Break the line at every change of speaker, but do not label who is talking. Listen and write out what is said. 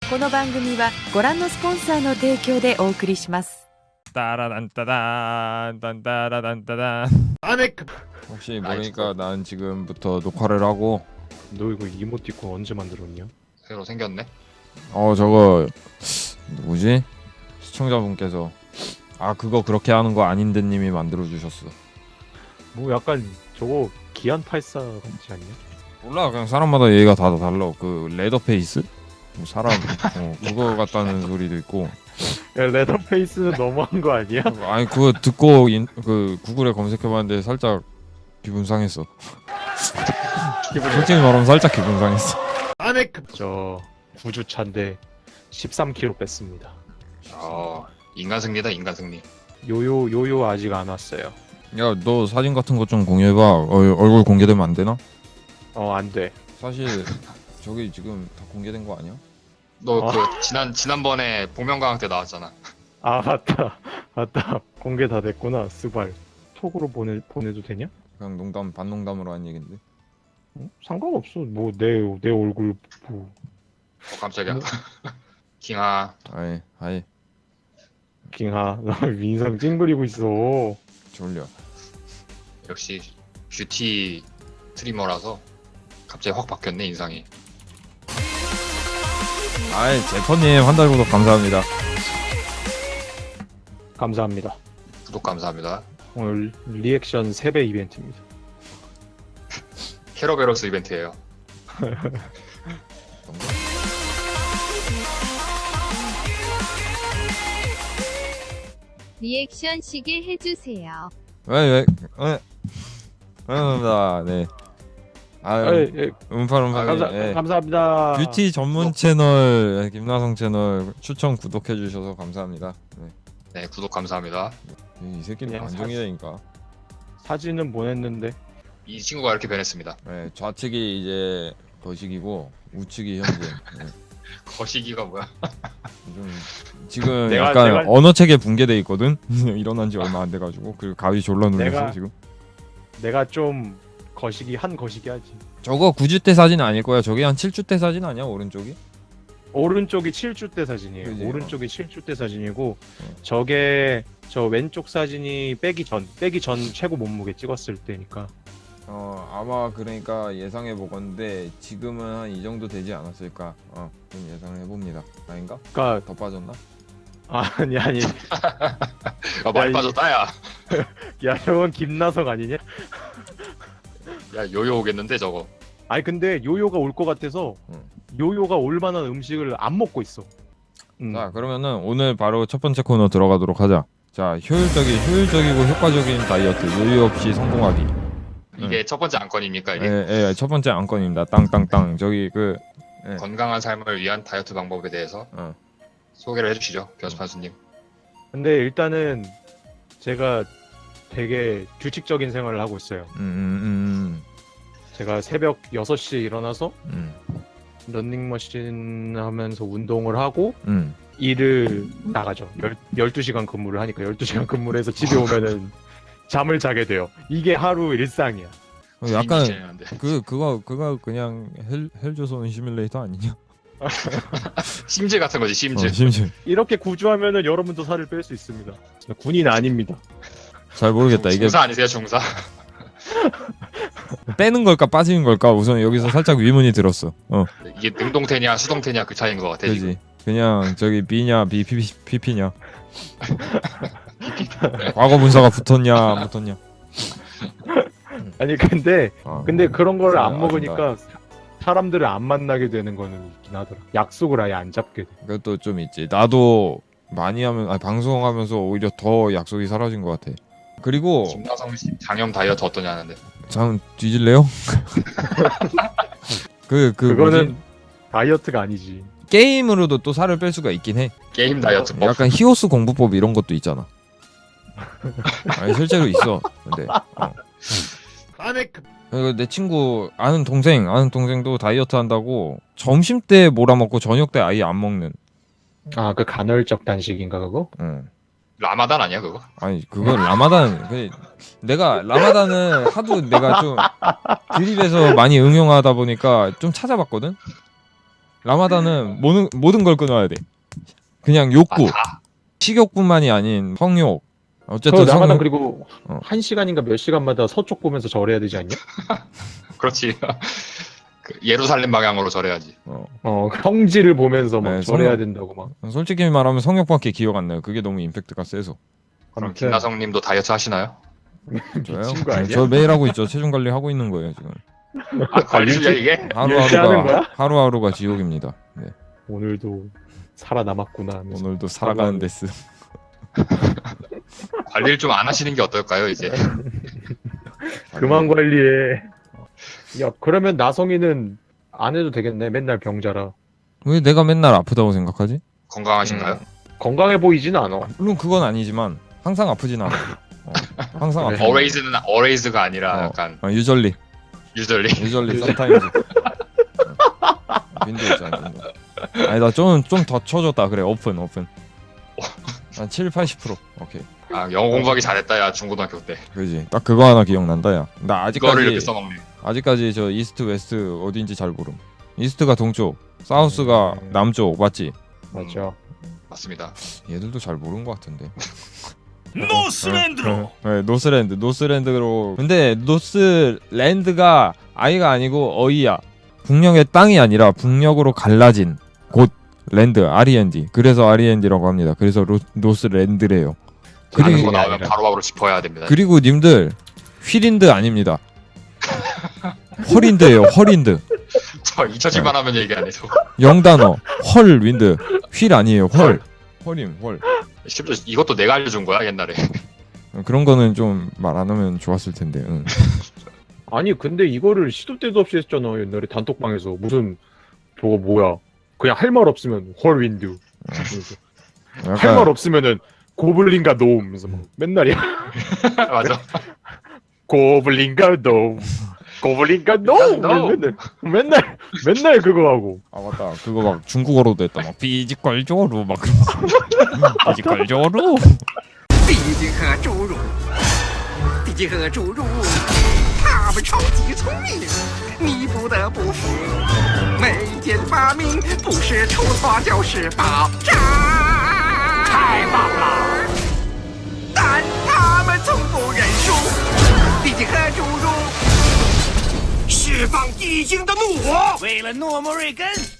この番組はご覧のスポンサーの提供でお送りします。
따라단따단 딴따라단따단.
아넥.
혹시 모르니까 난 지금부터 녹화를 하고.
너 이거 이모티콘 언제 만들었냐?
새로 생겼네.
저거 누구지? 시청자분께서 그거 그렇게 하는 거 아닌데 님이 만들어 주셨어.
뭐 약간 저거 기안 84 같지 않냐?
몰라, 그냥 사람마다 얘기가 다 달라. 그 레더페이스? 뭐 사람 그거 같다는 소리도 있고.
야, 레더페이스는 너무한 거 아니야?
아니 그거 듣고 그 구글에 검색해봤는데 살짝 기분 상했어. 솔직히 말하면 살짝 기분 상했어.
아넥. 저 9주차인데 13kg 뺐습니다.
인간 승리다, 인간 승리.
요요 아직 안 왔어요.
야, 너 사진 같은 거 좀 공유해봐. 얼굴 공개되면 안 되나?
안 돼.
사실 저기 지금 다 공개된 거 아니야?
너 그 지난번에 복면가왕 때 나왔잖아.
맞다. 공개 다 됐구나. 스발. 톡으로 보내도 되냐?
그냥 반농담으로 한 얘긴데.
상관없어. 뭐 내 얼굴 뭐.
깜짝이야. 킹아.
아이
킹하, 나 인상 찡그리고 있어.
졸려.
역시 뷰티 스트리머라서 갑자기 확 바뀌었네, 인상이.
제퍼님 한 달 구독 감사합니다.
감사합니다.
구독 감사합니다.
오늘 리액션 3배 이벤트입니다.
캐러베로스 이벤트예요.
리액션 시계 해주세요.
왜? 감사합니다. 네. 음파룸파.
감사합니다.
뷰티 전문 채널 김나성 채널 추천 구독해 주셔서 감사합니다.
네, 구독 감사합니다.
이 새끼는
그냥
안정이라니까.
사진은 보냈는데
이 친구가 이렇게 변했습니다.
네, 좌측이 이제 거식이고 우측이 현재. 네.
거시기가 뭐야?
좀 지금
내가-
약간
내가-
언어체계 붕괴돼 있거든. 일어난 지 얼마 안 돼가지고 그리고 가위 졸라 눌렸어
내가-
지금.
내가 좀 거시기 하지.
저거 9주 때 사진 아닐 거야. 저게 한 7주 때 사진 아니야 오른쪽이?
오른쪽이 7주 때 사진이에요.
그지?
오른쪽이 7주 때 사진이고 저게 저 왼쪽 사진이 빼기 전 최고 몸무게 찍었을 때니까.
아마 그러니까 예상해 보건데 지금은 한 이 정도 되지 않았을까. 좀 예상을 해봅니다. 아닌가?
그러니까
더 빠졌나?
아니
많이
이-
빠졌다, 야.
야, 저건 김나성 아니냐?
야, 요요 오겠는데, 저거.
아니 근데 요요가 올 것 같아서
응.
요요가 올 만한 음식을 안 먹고 있어.
자, 그러면은 오늘 바로 첫 번째 코너 들어가도록 하자. 자, 효율적이고 효과적인 다이어트 요요 없이 성공하기.
이게 첫 번째 안건입니까, 이게?
예, 첫 번째 안건입니다. 땅땅땅. 저기 예.
건강한 삶을 위한 다이어트 방법에 대해서 소개를 해주시죠, 변수판수님.
근데 일단은 제가 되게 규칙적인 생활을 하고 있어요. 제가 새벽 6시에 일어나서 런닝머신 하면서 운동을 하고 일을 나가죠. 12시간 근무를 하니까 12시간 근무를 해서 집에 오면은 잠을 자게 돼요. 이게 하루 일상이야.
약간
진행하는데.
그거 그냥 헬조선 시뮬레이터 아니냐?
심즈 같은 거지, 심즈.
심심.
이렇게 구조하면은 여러분도 살을 뺄 수 있습니다. 군인 아닙니다.
잘 모르겠다. 이게
중사 아니세요, 중사?
빼는 걸까 빠지는 걸까 우선 여기서 살짝 의문이 들었어.
이게 능동태냐 수동태냐 그 차이인 것 같아. 지금.
그지. 그냥 저기 B냐 PP냐. 과거 문서가 붙었냐 안 붙었냐.
아니 근데 그런 거를 안
아준다.
먹으니까 사람들을 안 만나게 되는 거는 있긴 하더라. 약속을 아예 안 잡게 돼.
그것도 좀 있지. 나도 많이 하면 방송하면서 오히려 더 약속이 사라진 것 같아. 그리고
김나성 씨 장염 다이어트 어떠냐는데.
잠 뒤질래요?
그거는
뭐지?
다이어트가 아니지.
게임으로도 또 살을 뺄 수가 있긴 해.
게임 다이어트법.
약간 히오스 공부법 이런 것도 있잖아. 아니 실제로 있어. 근데
아넥.
그리고 내 친구 아는 동생도 다이어트 한다고 점심 때 몰아먹고 저녁 때 아예 안 먹는.
그 간헐적 단식인가 그거?
라마단 아니야 그거?
아니 그건 라마단. 내가 라마단은 하도 내가 좀 드립에서 많이 응용하다 보니까 좀 찾아봤거든. 라마다는 모든 걸 끊어야 돼. 그냥 욕구,
다.
식욕뿐만이 아닌 성욕. 어쨌든
라마단
성욕.
그리고 1시간인가 몇 시간마다 서쪽 보면서 절해야 되지 않냐?
그렇지. 그 예루살렘 방향으로 절해야지.
성지를 보면서 막
네,
절해야
성역.
된다고 막.
솔직히 말하면 성욕밖에 기억 안 나요. 그게 너무 임팩트가 세서.
그럼
아무튼
김나성님도 다이어트 하시나요?
저요?
미친 거 아니야?
저 매일 하고 있죠. 체중 관리 하고 있는 거예요 지금.
아, 관리주야 이게?
일치하는 거야?
하루하루가 지옥입니다. 네.
오늘도 살아남았구나 하면서.
오늘도 살아가는 데스.
관리를 좀 안 하시는 게 어떨까요 이제?
그만 관리해. 야 그러면 나성이는 안 해도 되겠네. 맨날 병자라.
왜 내가 맨날 아프다고 생각하지?
건강하신가요?
건강해 보이지는 않아.
물론 그건 아니지만 항상 아프진 않아. 항상
그래.
아파.
always가 아니라 약간
유절리
usually.
sometimes. 빈도 있잖아. 빈도. 아니 나 좀 더 쳐줬다. 그래 오픈. 한 7-80%. 오케이.
아 영어 공부하기 잘했다 야 중고등학교 때.
그지. 딱 그거 하나 기억난다 야. 나
이거를 이렇게
아직까지
써먹네.
아직까지 저 이스트 웨스트 어딘지 잘 모름. 이스트가 동쪽, 사우스가 남쪽 맞지?
맞죠.
맞습니다.
얘들도 잘 모르는 것 같은데.
노스랜드로.
네, 노스랜드로. 근데 노스랜드가 아이가 아니고 어이야. 북녘의 땅이 아니라 북녘으로 갈라진 곳 랜드 R.E.N.D. 그래서 R.E.N.D라고 합니다. 그래서 노스랜드래요.
다른 거
그리고
나오면 바로바로 짚어야 됩니다.
그리고 님들 휠인드 아닙니다. 헐인드예요. 헐인드.
저 잊혀질만 하면 얘기 안 해서.
영단어 헐 윈드 휠 아니에요. 헐임 헐.
심지어 이것도 내가 알려준 거야 옛날에.
그런 거는 좀 말 안 하면 좋았을 텐데. 응.
아니 근데 이거를 시도 때도 없이 했잖아 옛날에 단톡방에서. 무슨 저거 뭐야 그냥 할 말 없으면 헐윈드 할 말
약간
없으면은 고블린과 노움 하면서 막 맨날이야.
맞아.
고블린과 노움 고블린과 노움 맨날 그거 하고.
아 맞다 그거 막 중국어로도 했다 막 비지컬조로 막 비지컬조로
毕竟和侏儒，毕竟和侏儒，他们超级聪明，你不得不服。每一件发明不是出错就是爆炸，太棒了！但他们从不认输，毕竟和侏儒释放地精的怒火，为了诺莫瑞根。